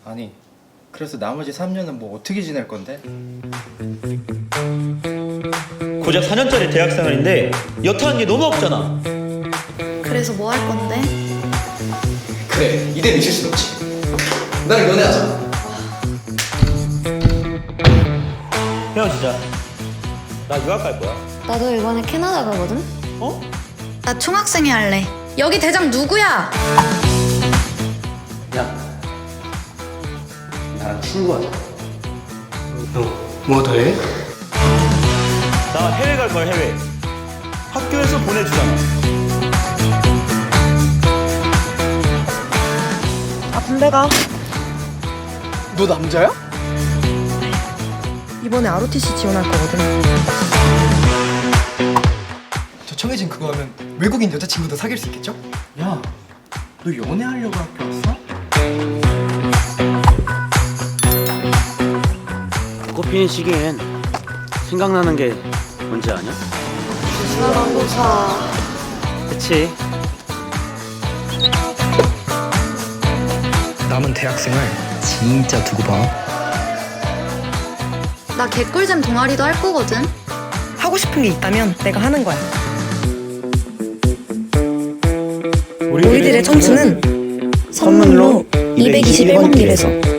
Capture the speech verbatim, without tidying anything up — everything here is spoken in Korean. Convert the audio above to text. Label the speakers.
Speaker 1: 아니, 그래서 나머지 삼 년은 뭐 어떻게 지낼 건데?
Speaker 2: 고작 사 년짜리 대학생활인데 여타하는 게 너무 없잖아.
Speaker 3: 그래서 뭐 할 건데?
Speaker 4: 그래, 이대로 있을 순 없지. 나랑 연애하자.
Speaker 2: 헤어지자. 나 유학 갈 거야.
Speaker 3: 나도 이번에 캐나다 가거든?
Speaker 2: 어?
Speaker 3: 나 총학생회 할래. 여기 대장 누구야?
Speaker 4: 야, 나랑 친구하자.
Speaker 5: 뭐 더해?
Speaker 2: 나 해외 갈 거야, 해외. 학교에서 보내주잖아.
Speaker 6: 아 군대 가.
Speaker 5: 너 남자야?
Speaker 6: 이번에 알오티씨 지원할 거거든.
Speaker 5: 저 청해진 그거 하면 외국인 여자친구도 사귈 수 있겠죠? 야, 너 연애하려고 학교 왔어?
Speaker 7: 꽃피는 시기엔 생각나는 게 뭔지 아냐?
Speaker 3: 사랑고사.
Speaker 7: 그치?
Speaker 8: 남은 대학생활 진짜 두고 봐.
Speaker 3: 나 개꿀잼 동아리도 할 거거든.
Speaker 6: 하고 싶은 게 있다면 내가 하는 거야. 우리들의 청춘은 선물로 이백이십일 번 길에서.